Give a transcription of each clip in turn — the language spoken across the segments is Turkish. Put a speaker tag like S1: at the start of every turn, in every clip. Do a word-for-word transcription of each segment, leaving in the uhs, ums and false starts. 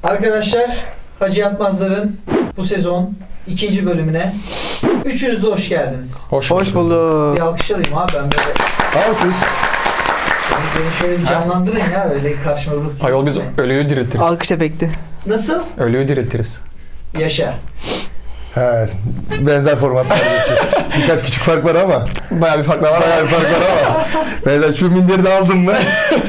S1: Arkadaşlar, Hacı Yatmazlar'ın bu sezon ikinci bölümüne üçünüz de hoş geldiniz.
S2: Hoş,
S3: Hoş bulduk.
S1: Bir alkış alayım abi, ben böyle...
S2: Alkış.
S1: Beni şöyle bir canlandırın ya, öyle karşıma ruh gibi.
S2: Ayol biz ölüyü diriltiriz.
S3: Alkış efekti.
S1: Nasıl?
S2: Ölüyü diriltiriz.
S1: Yaşa.
S4: He, benzer formatlar diyorsun. Birkaç küçük fark var ama.
S2: Bayağı bir farklar var.
S4: Bayağı bir fark var ama. Beyler şu minderi de aldım mı?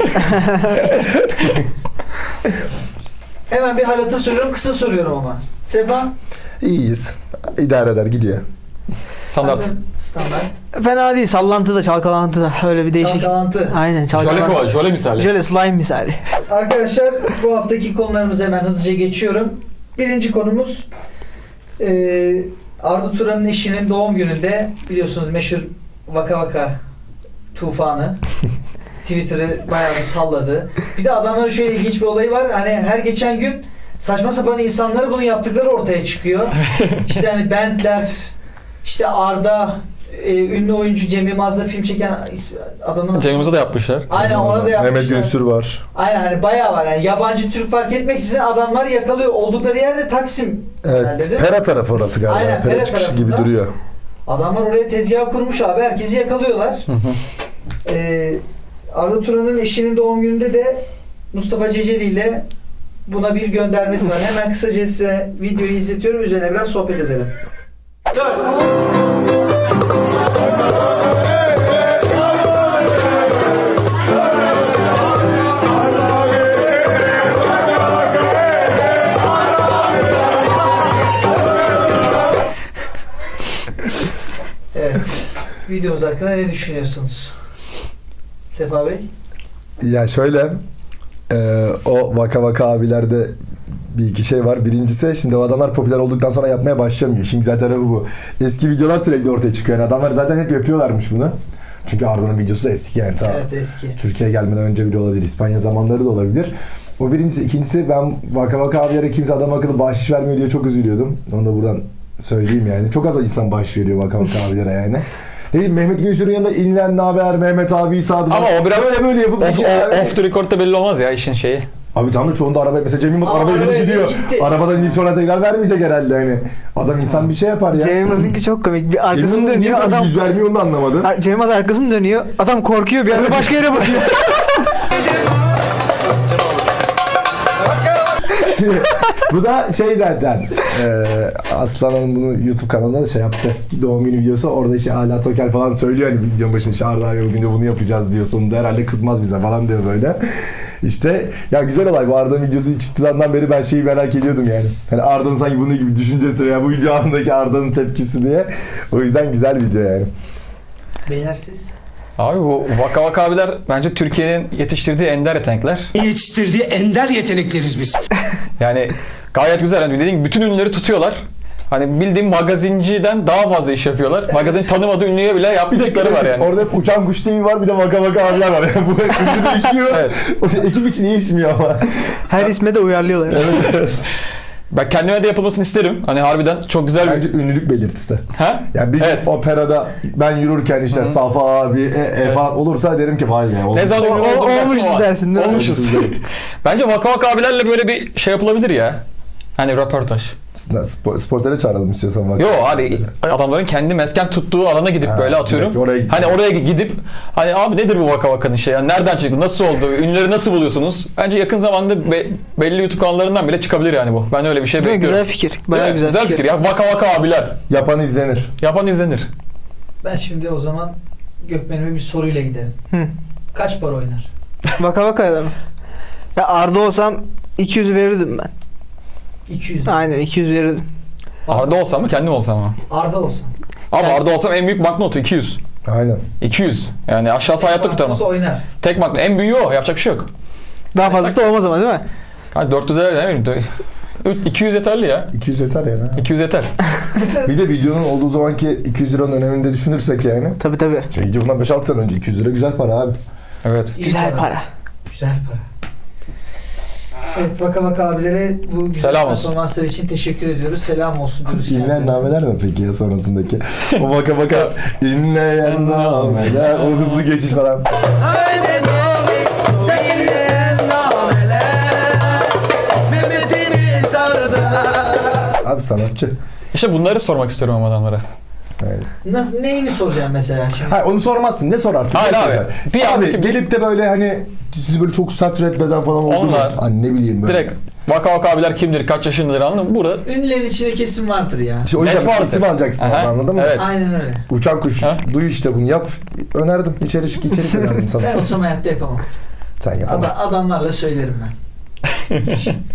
S1: Hemen bir halata soruyorum, kısa soruyorum ama. Sefa?
S4: İyiyiz. İdare eder, gidiyor.
S2: Standart.
S1: Standart.
S3: Fena değil. Sallantı da çalkalantı da. Öyle bir değişik.
S1: Çalkalantı.
S3: Aynen
S2: Jöle
S3: çalkalantı.
S2: kova, jöle misali.
S3: Jöle slime misali.
S1: Arkadaşlar, bu haftaki konularımızı hemen hızlıca geçiyorum. Birinci konumuz e, Arda Turan'ın eşinin doğum gününde biliyorsunuz meşhur Vaka Vaka tufanı Twitter'ı bayağı bir salladı. Bir de adamların şöyle ilginç bir olayı var. Hani her geçen gün saçma sapan insanları bunu yaptıkları ortaya çıkıyor. İşte hani Bentler, işte Arda, e, ünlü oyuncu Cem Yılmaz'la film çeken adamın...
S2: Cem Yılmaz'a da yapmışlar.
S1: Aynen, ona da yapmışlar.
S4: Mehmet Günsür var.
S1: Aynen, hani bayağı var yani, yabancı Türk fark etmeksizin adamlar yakalıyor. Oldukları yerde Taksim herhalde,
S4: Evet,
S1: değil mi?
S4: Pera tarafı orası galiba.
S1: Aynen,
S4: Pera,
S1: Pera
S4: çıkışı gibi
S1: tarafında.
S4: duruyor.
S1: Adamlar oraya tezgah kurmuş abi, herkesi yakalıyorlar. ee, Arda Turan'ın eşinin doğum gününde de Mustafa Ceceli ile buna bir göndermesi var. Hemen kısaca size videoyu izletiyorum, üzerine biraz sohbet edelim. Evet. Videomuz hakkında ne düşünüyorsunuz? Sefa Bey?
S4: Ya şöyle, e, o Vaka Vaka abilerde bir iki şey var. Birincisi, şimdi o adamlar popüler olduktan sonra yapmaya başlamıyor. Şimdi zaten bu bu. Eski videolar sürekli ortaya çıkıyor. Yani adamlar zaten hep yapıyorlarmış bunu. Çünkü Arda'nın videosu da eski yani. Ta
S1: Evet, eski.
S4: Türkiye'ye gelmeden önce bile olabilir. İspanya zamanları da olabilir. O birincisi. İkincisi, ben Vaka Vaka abilere kimse adam akıllı bahşiş vermiyor diye çok üzülüyordum. Onu da buradan söyleyeyim yani. Çok az insan bahşiş veriyor Vaka Vaka abilere yani. Ne bileyim, Mehmet Günsür'ün yanında inlen ne haber Mehmet abi sadım.
S2: Ama o biraz
S4: böyle böyle yapıp
S2: off,
S4: geçiyor abi.
S2: off the record'da belli olmaz ya işin şeyi.
S4: Abi tamam da çoğunda araba, mesela Cem Yılmaz
S1: Aa,
S4: arabaya binip
S1: arabaya
S4: gidiyor.
S1: gitti.
S4: Arabadan inip sonra tekrar vermeyecek herhalde hani. Adam insan bir şey yapar ya.
S3: Cem Yılmaz'ınki çok komik. Bir
S4: Cem
S3: arkasını
S4: Yılmaz'ın niye
S3: dönüyor
S4: böyle
S3: adam.
S4: yüz vermiyor onu da anlamadım.
S3: Ar- Cem Yılmaz arkasını dönüyor. Adam korkuyor, bir anda başka yere bakıyor.
S4: Bu da şey zaten. E, Aslan Hanım bunu YouTube kanalında da şey yaptı. Doğum günü videosu, orada işte Ala Toker falan söylüyor hani videonun başında, işte Arda abi bugün de bunu yapacağız diyor. Sonunda herhalde kızmaz bize falan diyor böyle. İşte ya güzel olay. Bu Arda'nın videosu çıktığından beri ben şeyi merak ediyordum yani. Hani Arda'nın sanki bunun gibi düşüncesi veya bu video anındaki Arda'nın tepkisi diye. O yüzden güzel video yani.
S1: Beyler siz?
S2: Abi bu Vaka Vaka abiler bence Türkiye'nin yetiştirdiği ender yetenekler.
S5: Yetiştirdiği ender yetenekleriz biz.
S2: Yani gayet güzel. Hani dediğim gibi bütün ünlüleri tutuyorlar. Hani bildiğim magazinciden daha fazla iş yapıyorlar. Magazin tanımadığı ünlüye bile yapmışlıkları var yani.
S4: Orada hep Uçan Kuş T V var, bir de Vaka Vaka abiler var. Yani bu ünlü değişiyor.
S2: Evet.
S4: O şey, ekip için değişmiyor ama.
S3: Her isme de uyarlıyorlar.
S2: Ben kendime de yapılmasını isterim. Hani harbiden çok güzel
S4: Bence
S2: bir...
S4: ünlülük belirtisi.
S2: Ha?
S4: Yani bir gün
S2: Evet.
S4: operada ben yürürken işte Safa abi, e, e falan olursa derim ki vay be.
S2: Ne zaman
S3: O-
S2: ünlü
S3: o-
S2: oldum dersin
S3: olmuşuz
S2: o an.
S3: dersin, değil mi?
S2: Olmuşuz. Bence Vaka Vaka abilerle böyle bir şey yapılabilir ya. Hani röportaj.
S4: Spor, sportere çağıralım istiyorsan Vaka.
S2: Yo abi adamların kendi mesken tuttuğu alana gidip
S4: Ha,
S2: böyle atıyorum.
S4: direkt oraya gidip-
S2: Hani oraya gidip hani abi nedir bu Vaka Vaka'nın şey? Yani nereden çıktı? Nasıl oldu? Ünlüleri nasıl buluyorsunuz? Bence yakın zamanda be- belli YouTube kanallarından bile çıkabilir yani bu. Ben öyle bir şey
S3: Değil mi?
S2: bekliyorum.
S3: Güzel fikir. Bayağı
S2: Evet,
S3: güzel, fikir.
S2: ya. Vaka Vaka abiler.
S4: Yapan izlenir.
S2: Yapan izlenir.
S1: Ben şimdi o zaman Gökmen'ime bir soruyla gidelim.
S3: Hı.
S1: Kaç para oynar?
S3: Vaka vakayla mı? Ya Arda olsam iki yüz verirdim ben.
S1: iki yüz.
S3: Aynen iki yüz verirdim.
S2: Arda olsam mı kendim olsam mı?
S1: Arda olsun.
S2: Abi
S3: Yani-
S2: Arda olsam en büyük banknotu iki yüz.
S4: Aynen.
S2: iki yüz. Yani aşağısı hayatta kurtarmaz.
S1: Oynar.
S2: Tek banknot. En büyüğü o. Yapacak bir şey yok.
S3: Daha fazlası da olmaz ama, değil mi?
S2: Yani dört yüze ne bileyim. üç- iki yüz yeterli ya.
S4: iki yüz yeter yani. ha.
S2: iki yüz yeter.
S4: Bir de videonun olduğu zamanki iki yüz liranın önemini de düşünürsek yani.
S3: Tabii tabii.
S4: Şimdi video bundan beş altı sene önce iki yüz lira güzel para abi.
S2: Evet.
S1: İyi
S3: Güzel para.
S1: Güzel para. Evet, Vaka Vaka abilere bu güzel
S2: Selam olsun.
S1: performanslar için teşekkür ediyoruz. Selam olsun diyoruz.
S4: İnleyen nameler mi peki ya sonrasındaki? O Vaka Vaka inleyen nameler, o hızlı geçiş falan.
S5: Mehmet'imin
S4: Abi sanatçı.
S2: İşte bunları sormak istiyorum ama adamlara.
S4: Yani.
S1: Nasıl, neyini soracaksın mesela şimdi?
S4: Hayır onu sormazsın. Ne sorarsın?
S2: Hayır
S4: Ne
S2: abi.
S4: soracaksın?
S2: Bir
S4: abi
S2: andaki-
S4: gelip de böyle hani sizi böyle çok sert reddeden falan oldu mu?
S2: Onlar-
S4: Hani ne bileyim böyle.
S2: Direkt Vaka Vaka abiler kimdir, kaç yaşındadır anladın mı? Burada
S1: Ünlülerin içinde kesim vardır ya.
S4: İşte o
S2: net
S4: yüzden
S2: vardır.
S4: isim alacaksın
S2: Aha,
S4: orada, anladın mı?
S2: evet.
S1: Aynen öyle.
S4: Uçan kuş.
S2: Ha?
S4: Duy işte bunu yap. Önerdim. İçerik içerik önerdim sana.
S1: Ben olsam hayatta yapamam.
S4: Sen
S1: Ada,
S4: yapamazsın.
S1: adamlarla söylerim ben.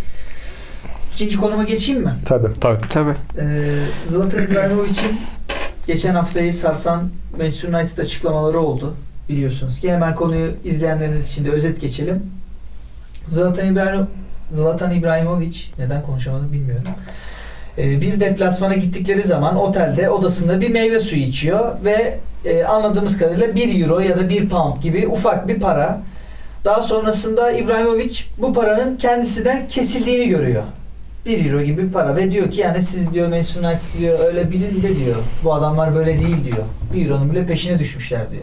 S1: İkinci konuma geçeyim mi?
S4: Tabii.
S2: Tabii.
S3: Tabii.
S1: Ee, Zlatan İbrahimovic'in geçen haftayı sarsan Manchester United açıklamaları oldu. Biliyorsunuz ki hemen konuyu izleyenleriniz için de özet geçelim. Zlatan İbrahimo Zlatan İbrahimovic neden konuşamadım bilmiyorum. Ee, bir deplasmana gittikleri zaman otelde odasında bir meyve suyu içiyor ve e, anladığımız kadarıyla bir euro ya da bir pound gibi ufak bir para. Daha sonrasında İbrahimovic bu paranın kendisinden kesildiğini görüyor. bir euro gibi bir para ve diyor ki yani siz diyor Manchester United diyor öyle bilin de diyor. Bu adamlar böyle değil diyor. bir euronun bile peşine düşmüşler diyor.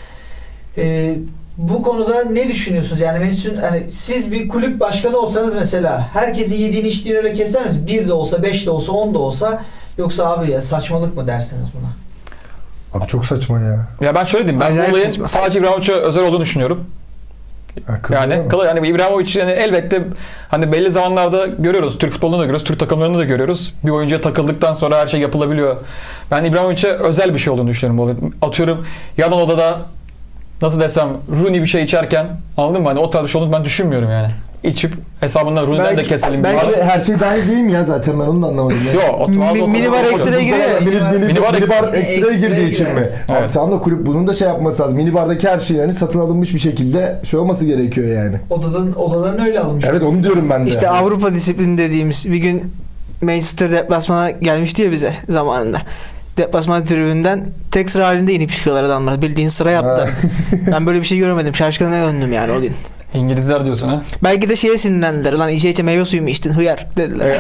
S1: Ee, bu konuda ne düşünüyorsunuz? Yani Manchester, hani siz bir kulüp başkanı olsanız mesela herkesin yediğini içtiğini öyle keser misiniz? bir de olsa, beş de olsa, on da olsa, yoksa abi ya saçmalık mı dersiniz buna?
S4: Abi çok saçma ya.
S2: Ya ben şöyle diyeyim. Ben
S3: Acayip
S2: bu olayın
S3: saçma.
S2: sadece İbrahimovic'e özel olduğunu düşünüyorum.
S4: Akıllı
S2: Yani
S4: değil mi?
S2: kılı yani İbrahimovic yani elbette hani belli zamanlarda görüyoruz. Türk futbolunda da görüyoruz. Türk takımlarında da görüyoruz. Bir oyuncuya takıldıktan sonra her şey yapılabiliyor. Ben İbrahimovic'e özel bir şey olduğunu düşünüyorum bu olayın. Atıyorum yan odada nasıl desem Rooney bir şey içerken anladın mı? Hani o tarz bir şey olduğunu ben düşünmüyorum yani. İçip hesabından Rooney'den de
S3: Belki-
S2: keselim.
S3: belki-
S2: diye.
S4: Abi her şey dahil değil mi ya zaten ben onu da anlamadım. Ya.
S2: Yo, o-
S3: Mi-
S2: bazı
S3: mini
S2: otomatik
S3: bar
S2: oluyor.
S3: ekstraya giriyor ya.
S4: Mini, mini, mini,
S2: Minibar
S4: mini bar
S1: ekstra-
S4: ekstraya
S1: ekstraya
S4: girdiği için
S1: giriyor.
S4: mi?
S2: Evet.
S4: Abi tamam da kulüp bunun da şey yapması lazım. Mini bardaki her şey yani satın alınmış bir şekilde şey olması gerekiyor yani.
S1: Odadan, odalarını öyle alınmış.
S4: Evet onu diyorum ben de.
S3: İşte Avrupa disiplini dediğimiz bir gün Manchester deplasmana gelmişti ya bize zamanında. Deplasman tribünden tek sıra halinde inip çıkıyorlar adamlar. Bildiğin sıra yaptı.
S4: Ha.
S3: Ben böyle bir şey görmedim. Şaşkına döndüm yani o gün.
S2: İngilizler diyorsun ha.
S3: Belki de şeye sinirlendiler. Lan içe içe meyve suyu mu içtin hıyar dediler.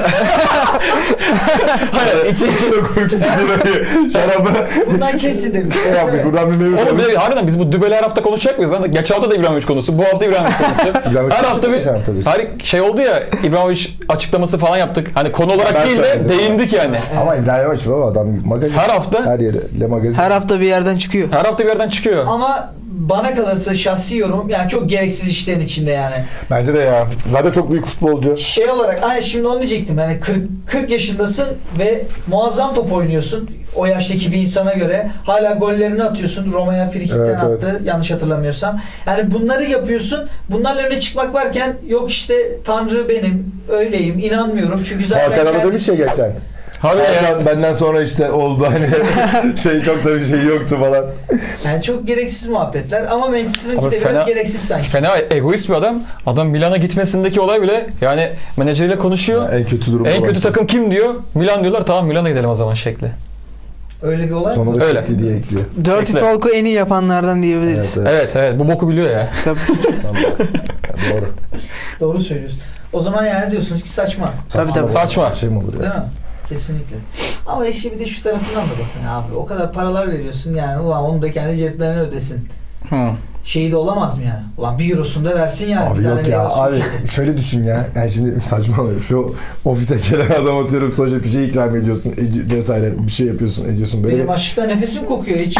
S2: Hayır, içi içi.
S4: koyacağız bir şarabı.
S1: Bundan kesin demiş.
S4: Şey yapmış buradan bir meyve
S2: Oğlum
S4: koymuş.
S2: bir de harbiden biz bu dübeli her hafta konuşacak mıyız lan? Geçen hafta da İbrahimovic konusu, bu hafta İbrahimovic konusu.
S4: İbrahimovic
S2: her hafta bir
S4: geçen tabii.
S2: hayır, şey oldu ya İbrahimovic açıklaması falan yaptık. Hani konu olarak
S4: Ben
S2: değil de
S4: söyledim.
S2: değindik yani.
S4: Ama İbrahimovic baba adam magazin.
S2: Her hafta
S4: Her yere. Le magazin.
S3: Her hafta bir yerden çıkıyor.
S2: her hafta bir yerden çıkıyor.
S1: Ama bana kalırsa şahsi yorum yani çok gereksiz işlerin içinde yani.
S4: Bence de ya. Zaten çok büyük futbolcu.
S1: Şey olarak ay şimdi onu diyecektim yani kırk, kırk yaşındasın ve muazzam top oynuyorsun. O yaştaki bir insana göre hala gollerini atıyorsun. Roma'ya frikikten
S4: Evet,
S1: attı
S4: evet.
S1: yanlış hatırlamıyorsam. Yani bunları yapıyorsun. Bunlarla öne çıkmak varken yok işte Tanrı benim öyleyim inanmıyorum. Çünkü zaten
S4: Hakan Ana demiş ya
S1: kendisi-
S4: geçen.
S2: Harbi ya.
S4: Hakan benden sonra işte oldu hani şey çok da bir şey yoktu falan.
S1: Yani çok gereksiz muhabbetler ama Manchester'ınki
S2: Abi
S1: de biraz
S2: fena-
S1: gereksiz sanki.
S2: Fena egoist bir adam. Adam Milan'a gitmesindeki olay bile yani menajeriyle konuşuyor.
S4: En kötü durum.
S2: En
S4: olan.
S2: kötü takım kim diyor? Milan diyorlar. Tamam Milan'a gidelim o zaman şekli.
S1: Öyle bir olay mı?
S4: Sonra da
S2: Öyle.
S4: şekli diye ekliyor.
S3: Dirty
S2: Bekle.
S3: Talk'u en iyi yapanlardan diyebiliriz.
S4: Evet, evet.
S2: Evet evet bu boku biliyor ya.
S3: Tabii.
S4: Tamam. Ya, doğru.
S1: Doğru söylüyorsun. O zaman yani diyorsunuz ki saçma.
S3: Tabii, tabii.
S4: bu.
S2: Saçma.
S4: Şey mi olur ya?
S1: Değil mi? Kesinlikle. Ama işi bir de şu tarafından da bakın abi. O kadar paralar veriyorsun yani. Ulan onu da kendi ceplerine ödesin.
S2: Hı.
S1: Şeyi de olamaz mı yani? Ulan bir eurosunu da versin yani.
S4: Abi
S1: Bir tane
S4: yok ya
S1: meyve
S4: abi
S1: suyu.
S4: şöyle düşün ya. Yani şimdi saçma oluyor. Şu ofise gelen adam atıyorum sonuçta bir şey ikram ediyorsun edi- vesaire bir şey yapıyorsun ediyorsun böyle.
S1: Benim
S4: bir...
S1: açlıktan nefesim kokuyor. Hiç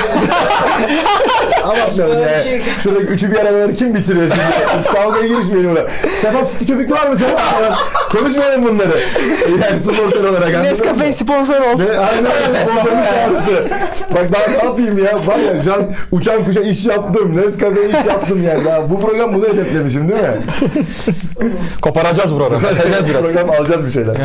S4: Ama şöyle ya.
S1: şey-
S4: Şuradaki üçü bir araları kim bitiriyor şimdi? Hiç kavgaya girişmeyelim orada. Sefap sütü köpük var mı Sefap? Konuşmayalım bunları. Yani sponsor olarak anladın mı?
S3: Nescafe sponsor oldu.
S4: Ne? Aynen sponsorun çağrısı. Bak daha ne yapayım ya? Var ya şu an uçan kuşa iş yaptım. Nescafe'ye iş yaptım yani. Daha bu program bunu hedeflemişim değil mi?
S2: Koparacağız bu programı. Keseceğiz biraz.
S4: Program alacağız bir şeyler.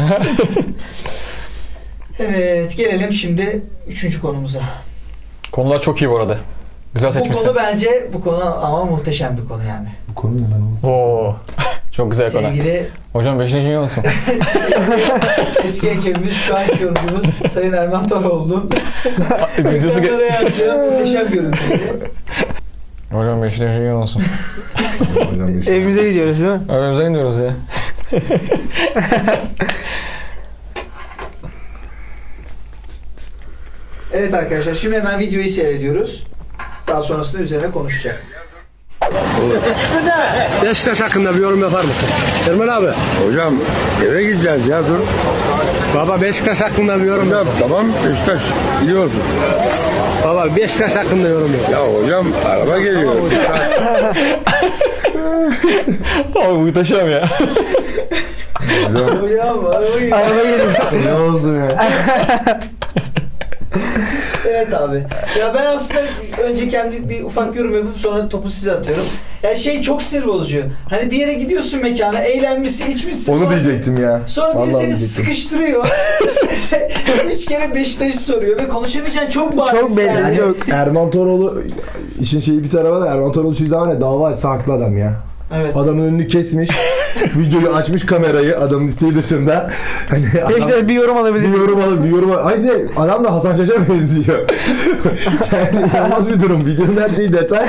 S1: Evet gelelim şimdi üçüncü konumuza.
S2: Konular çok iyi bu arada. Güzel
S1: Bu
S2: seçmişsin.
S1: konu bence bu konu ama muhteşem bir konu yani.
S4: Bu konu ne lan?
S2: Oo. Çok güzel konu.
S1: Sevgili
S2: Hocam beşinci iyi olsun.
S1: eski ekibimiz şu anki yorumcumuz Sayın Erman Toroğlu.
S2: Videosu ge-
S1: Ekranlara yansıyan muhteşem görüntüydü.
S2: Hocam beşinci iyi olsun.
S4: Hocam işte.
S3: Evimize gidiyoruz değil mi?
S2: Evimize gidiyoruz ya.
S1: Evet arkadaşlar şimdi hemen videoyu seyrediyoruz. Daha sonrasında üzerine konuşacağız.
S5: Beşiktaş hakkında bir yorum yapar mısın? Ermen abi.
S6: Hocam eve gideceğiz ya dur. Baba Beşiktaş hakkında bir yorum
S7: Hocam
S6: yap.
S7: tamam Beşiktaş biliyorsun.
S6: Baba Beşiktaş hakkında yorum yap.
S7: Ya hocam araba geliyor.
S2: Abi muhteşem ya.
S1: Hocam araba gibi.
S3: Araba geliyor.
S4: Ne olsun ya.
S1: Evet abi. Ya ben aslında önce kendi bir ufak yorum yapıp sonra topu size atıyorum. Ya şey çok sinir bozucu. Hani bir yere gidiyorsun mekana, eğlenmişsin, içmişsin.
S4: Onu
S1: sonra-
S4: diyecektim ya.
S1: Sonra biri
S4: Vallahi
S1: seni
S4: diyecektim.
S1: sıkıştırıyor. Üç kere Beşiktaş'ı soruyor ve konuşamayacağın çok bariz.
S3: Çok belli,
S1: yani.
S3: çok.
S4: Erman Toroğlu işin şeyi bir tarafa da Erman Toroğlu şu zaman ne dava açsa haklı adam ya.
S1: Evet.
S4: Adamın önünü kesmiş. Videoyu açmış kamerayı adamın isteği dışında. Hani adam,
S3: Beşiktaş bir yorum alabilir.
S4: bir yorum alıp bir yorum alıp. Ay bir de adam da Hasan Şaş'a benziyor. Yani inanılmaz bir durum. Videonun her şeyi detay.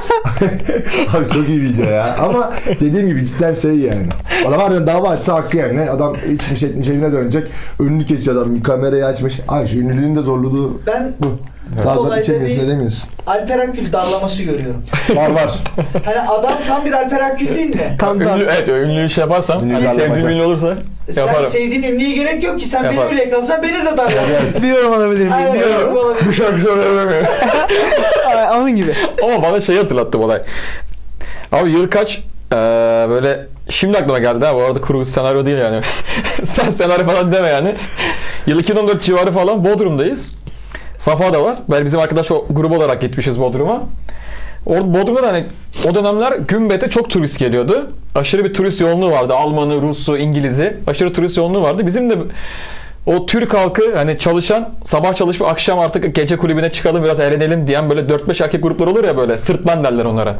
S4: Abi çok iyi video ya. Ama dediğim gibi cidden şey yani. Adam harbiden dava açsa hakkı yani. Adam içmiş etmiş evine dönecek. Önünü kesiyor adam. Kamerayı açmış. Abi şu ünlülüğün de zorluğu
S1: Ben
S4: bu.
S1: bu
S4: Daha
S1: olayda
S4: içemiyorsun
S1: bir
S4: edemiyorsun.
S1: Alper Akgül darlaması görüyorum.
S4: Var var.
S1: Hani adam tam bir Alper Akgül değil mi?
S3: Tam tam.
S2: Ünlü, evet ünlü şey yaparsam,
S4: Ünlü
S2: hani
S4: darlamaca.
S2: sevdiğim ünlü olursa
S1: Sen
S2: yaparım.
S1: sevdiğin ünlüye gerek yok ki. Sen
S2: Yaparım.
S1: beni bile yakalasan beni de darlarsın.
S3: Bir yorum alabilir miyim?
S1: Aynen
S3: Bir
S1: öyle
S3: yorum.
S1: olabilir.
S2: Bu şarkı söyleyemiyorum.
S3: Aa, Onun gibi.
S2: Ama bana şeyi hatırlattı bu olay. Abi yıl kaç? Ee, böyle şimdi aklıma geldi ha. Bu arada kuru senaryo değil yani. Sen senaryo falan deme yani. Yıl iki bin on dört civarı falan Bodrum'dayız. Safa da var. Ben bizim arkadaş o grup olarak gitmişiz Bodrum'a. Orada Bodrum'da da hani o dönemler Gümbet'e çok turist geliyordu. Aşırı bir turist yoğunluğu vardı. Almanı, Rusu, İngiliz'i. Aşırı turist yoğunluğu vardı. Bizim de o Türk halkı hani çalışan sabah çalışıp akşam artık gece kulübüne çıkalım biraz eğlenelim diyen böyle dört beş erkek gruplar olur ya böyle sırtlan derler onlara.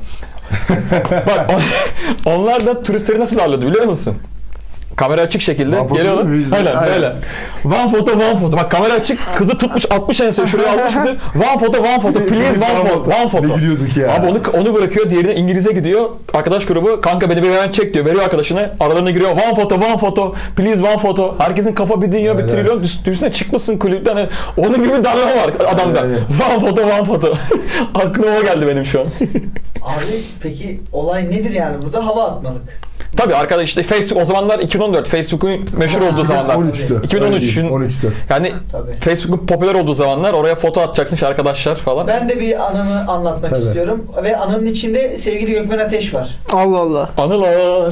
S2: Bak on- onlar da turistleri nasıl ağırladı biliyor musun? Kamera açık şekilde
S4: One photo
S2: geliyorlar.
S4: değil mi bizde?
S2: Aynen
S4: Aynen.
S2: böyle. One photo, one photo. Bak kamera açık. Kızı tutmuş atmış ense şuraya almış kızı. One photo, one photo. Please one photo. One photo.
S4: Ne gülüyorduk ya.
S2: Abi onu, onu bırakıyor. Diğerine İngiliz'e gidiyor. Arkadaş grubu kanka beni bir hemen çek diyor. Veriyor arkadaşına. Aralarına giriyor. One photo, one photo. Please one photo. Herkesin kafa bir dünya bir
S4: Evet,
S2: trilyon.
S4: evet.
S2: Düş- Düşünsene çıkmışsın kulüpten. Hani onun gibi bir darlama var adamda.
S4: Evet,
S2: One photo, one photo. Aklıma o geldi benim şu an.
S1: Abi peki olay nedir yani burada? Hava atmalık.
S2: Tabii arkadaş işte Facebook o zamanlar iki bin on dört Facebook'un meşhur olduğu zamanlar.
S4: on üçtü.
S2: iki bin on üç.
S4: on üçtü.
S2: Yani
S1: Tabii.
S2: Facebook'un popüler olduğu zamanlar oraya foto atacaksın işte arkadaşlar falan.
S1: Ben de bir anımı anlatmak
S4: Tabii.
S1: istiyorum. Ve anımın içinde sevgili Gökmen Ateş var.
S3: Allah Allah.
S2: Anılar.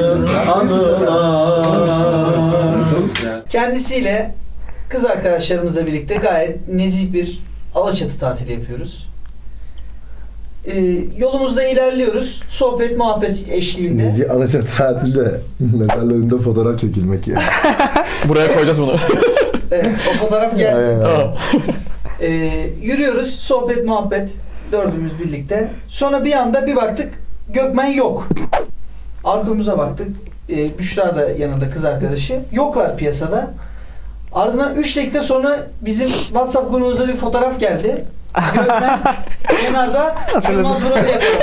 S1: Kendisiyle kız arkadaşlarımızla birlikte gayet nezih bir Alaçatı tatili yapıyoruz. Ee, yolumuzda ilerliyoruz. Sohbet muhabbet eşliğinde.
S4: Nezi Alaçatı tatilde mezarla önünde fotoğraf çekilmek ya.
S2: Buraya koyacağız bunu.
S1: Evet, o fotoğraf gelsin.
S4: Aynen.
S2: Tamam.
S1: Ee, yürüyoruz. Sohbet muhabbet. Dördümüz birlikte. Sonra bir anda bir baktık Gökmen yok. Arkamıza baktık. Ee, Büşra da yanında kız arkadaşı. Yoklar piyasada. Ardından üç dakika sonra bizim WhatsApp grubumuza bir fotoğraf geldi. Gökmen kenarda Yılmaz Vural'ı yakaladı.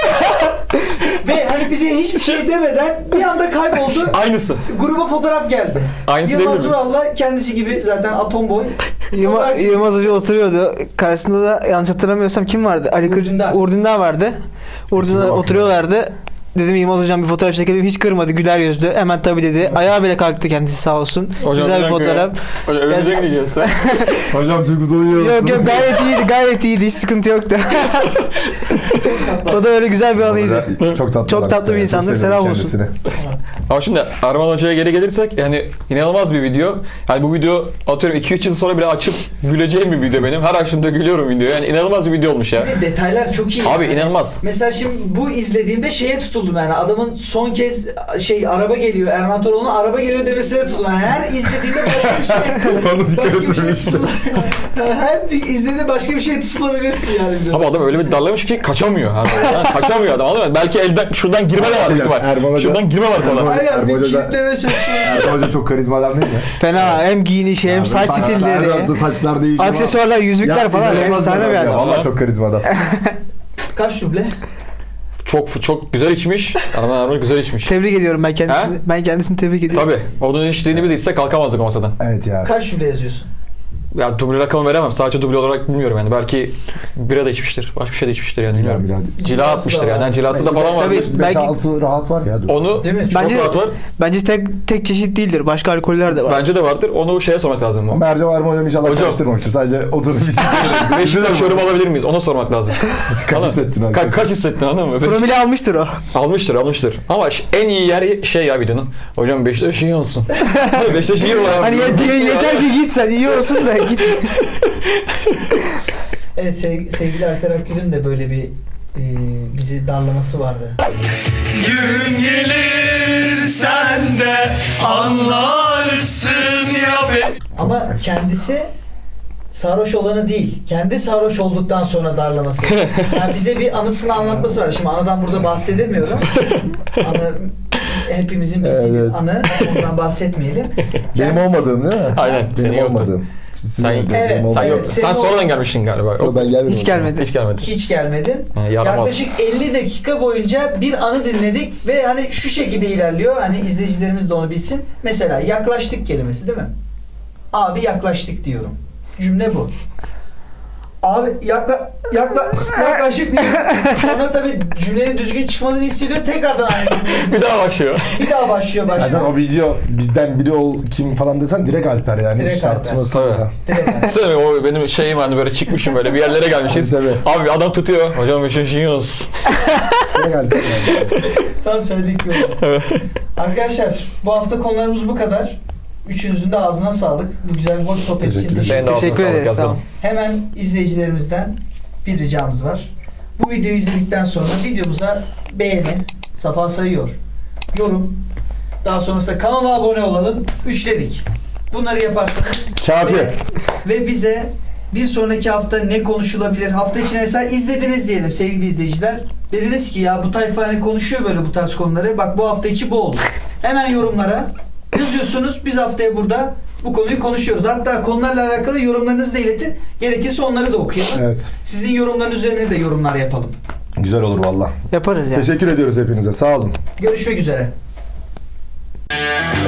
S1: Ve hani bize hiçbir şey demeden bir anda kayboldu.
S2: Aynısı.
S1: Gruba fotoğraf geldi.
S2: Aynısı
S1: Yılmaz
S2: diyebilir miyiz?
S1: Vural'la kendisi gibi zaten atom boy.
S3: Yılmaz,
S1: Fotoğraf-
S3: Yılmaz Hoca oturuyordu. Karşısında da yanlış hatırlamıyorsam kim vardı? Ali Kır-
S1: Urdündar.
S3: Urdündar vardı. Urdündar
S4: Bakın.
S3: oturuyorlardı. Dedim Yılmaz Hocam bir fotoğraf çekelim. Hiç kırmadı. Güler yüzlü. Hemen tabii dedi. Ayağa bile kalktı kendisi sağ olsun.
S2: Hocam
S3: Güzel bir
S2: bir dakika
S3: fotoğraf.
S2: Hocam önümüze
S3: Gerçekten-
S2: gideceğiz sen.
S4: Hocam Turgut uyuyor
S3: Yok yok gayet iyiydi. Gayet iyiydi. Hiç sıkıntı yoktu. O da öyle güzel bir anıydı.
S4: Çok tatlı.
S3: Çok tatlı bir insandır, selam olsun.
S2: Ama şimdi Arman Hoca'ya geri gelirsek yani inanılmaz bir video. Yani bu video atıyorum iki üç yıl sonra bile açıp güleceğim bir video benim. Her açtığımda gülüyorum videoya. Yani inanılmaz bir video olmuş ya.
S1: Ve detaylar çok iyi.
S2: Abi
S1: Yani
S2: inanılmaz.
S1: Mesela şimdi bu izlediğimde şeye tutuldum yani adamın son kez şey araba geliyor Erman Toroğlu'nun araba geliyor demesine tutuldum. Yani her izlediğinde başka bir şey
S4: Bana dikkat
S1: başka bir şey
S4: etmemiştim.
S1: tutul- her izlediğinde başka bir şey tutulabilirsin yani.
S2: Abi adam öyle bir darlamış ki kaçamıyor. Yani kaçamıyor adam anladın mı? Belki elden şuradan girme de var büyük ihtimal.
S4: Erman Hoca-
S2: Şuradan girme var falan.
S4: Erman-
S1: Aynen bir
S4: Hoca da-
S1: kilitleme söz konusu.
S4: Erman Hoca çok karizma adam değil mi?
S3: Fena. Hem giyinişi hem saç
S4: Saçlar
S3: stilleri.
S4: yaptı, saçlar değişiyor.
S3: Aksesuarlar, yüzükler falan. Efsane bir adam.
S4: Valla çok karizma adam.
S1: Kaç duble?
S2: Çok çok güzel içmiş. Arman Arman güzel içmiş.
S3: Tebrik ediyorum ben kendisini.
S2: He?
S3: Ben kendisini tebrik ediyorum.
S2: Tabii. Onun içtiğini bilirse kalkamazdık o masadan.
S4: Evet ya.
S1: Kaç duble yazıyorsun?
S2: Ya duble rakamı veremem. Sadece duble olarak bilmiyorum yani. Belki bira da içmiştir. Başka bir şey de içmiştir yani.
S4: Cila mila.
S2: Cila
S1: Cilası
S2: atmıştır
S1: da
S2: yani.
S1: var.
S2: yani cilası da falan vardır.
S3: Tabii.
S4: beş
S3: Belki-
S4: altı rahat var ya.
S2: Onu
S1: Değil mi?
S2: çok
S3: Bence-
S2: rahat var.
S3: Bence tek tek çeşit değildir. Başka alkoller de var.
S2: Bence de vardır. Onu şeye sormak lazım.
S4: Ama Ercan var mı hocam inşallah
S2: Hocam.
S4: karıştırmamıştır. Sadece oturup bir şey
S2: Beşiktaş yorum alabilir miyiz? Ona sormak lazım.
S4: Kaç
S2: Anladın?
S4: hissettin
S2: Ka-
S4: arkadaşlar?
S2: kaç hissettin anladın mı?
S3: Promili almıştır o.
S2: Almıştır almıştır. Ama ş- en iyi yer şey ya videonun. Hocam Beşiktaş iyi olsun. Beşiktaş iyi var.
S3: Hani ye- yeter ki git sen iyi olsun da git.
S1: Evet sev- sevgili Alper Akgül'ün de böyle bir e, bizi darlaması vardı.
S5: Gün gelir sen de anlarsın ya be.
S1: Ama kendisi sarhoş olanı değil. Kendi sarhoş olduktan sonra darlaması. Yani bize bir anısını anlatması var. Şimdi anıdan burada bahsedemiyorum. Anı hepimizin bildiği bir
S4: Evet.
S1: anı. Ondan bahsetmeyelim.
S4: Benim
S1: Kendisi-
S4: olmadığım değil mi?
S2: Aynen. Senin
S4: Benim
S2: yoktu.
S4: olmadığım. Sizin
S2: Sen-
S4: olmadığım,
S1: Evet,
S4: benim
S2: Sen
S4: olmadığım.
S2: yok.
S1: Senin
S2: Sen sonradan
S1: o-
S2: gelmiştin galiba.
S4: Yok, ben gelmedim.
S3: Hiç gelmedi.
S2: Hiç gelmedin.
S1: Hiç gelmedin.
S2: Ha, yaramaz.
S1: Yaklaşık elli dakika boyunca bir anı dinledik ve hani şu şekilde ilerliyor. Hani izleyicilerimiz de onu bilsin. Mesela yaklaştık kelimesi değil mi? Abi yaklaştık diyorum. Cümle bu. Abi yakla, yakla, yaklaşık diyor. Sonra tabii cümlenin düzgün çıkmadığını hissediyor. Tekrardan aynı cümleyi.
S2: Bir daha başlıyor.
S1: Bir daha başlıyor başlıyor.
S4: Zaten o video bizden biri ol kim falan desen direkt Alper yani.
S1: Direkt
S4: Hiç
S1: Alper.
S4: tartışmasız
S2: Tabii.
S4: ya.
S1: Direkt.
S2: Söyle o benim şeyim hani böyle çıkmışım böyle bir yerlere gelmişiz.
S4: Tabii,
S2: Abi adam tutuyor. Hocam Beşiktaş iyi olsun.
S4: Direkt Alper yani.
S1: Tam söyledik yolu. Arkadaşlar bu hafta konularımız bu kadar. Üçünüzün de ağzına sağlık. Bu güzel hoş sohbet için
S4: Teşekkür
S1: teşekkür
S2: Senin de ağzına
S3: Teşekkür
S2: sağlık
S3: ederiz.
S2: yazalım.
S3: Tamam.
S1: Hemen izleyicilerimizden bir ricamız var. Bu videoyu izledikten sonra videomuza beğeni, Safa sayıyor, yorum, daha sonrasında kanala abone olalım, üçledik. Bunları yaparsanız
S4: Kafi.
S1: ve, ve bize bir sonraki hafta ne konuşulabilir? Hafta içinde mesela izlediniz diyelim sevgili izleyiciler. Dediniz ki ya bu tayfa hani konuşuyor böyle bu tarz konuları. Bak bu hafta içi bu oldu. Hemen yorumlara yazıyorsunuz. Biz haftaya burada bu konuyu konuşuyoruz. Hatta konularla alakalı yorumlarınızı da iletin. Gerekirse onları da okuyalım.
S4: Evet.
S1: Sizin yorumlarınız üzerine de yorumlar yapalım.
S4: Güzel olur valla.
S3: Yaparız ya.
S4: Teşekkür ediyoruz hepinize. Sağ olun.
S1: Görüşmek üzere.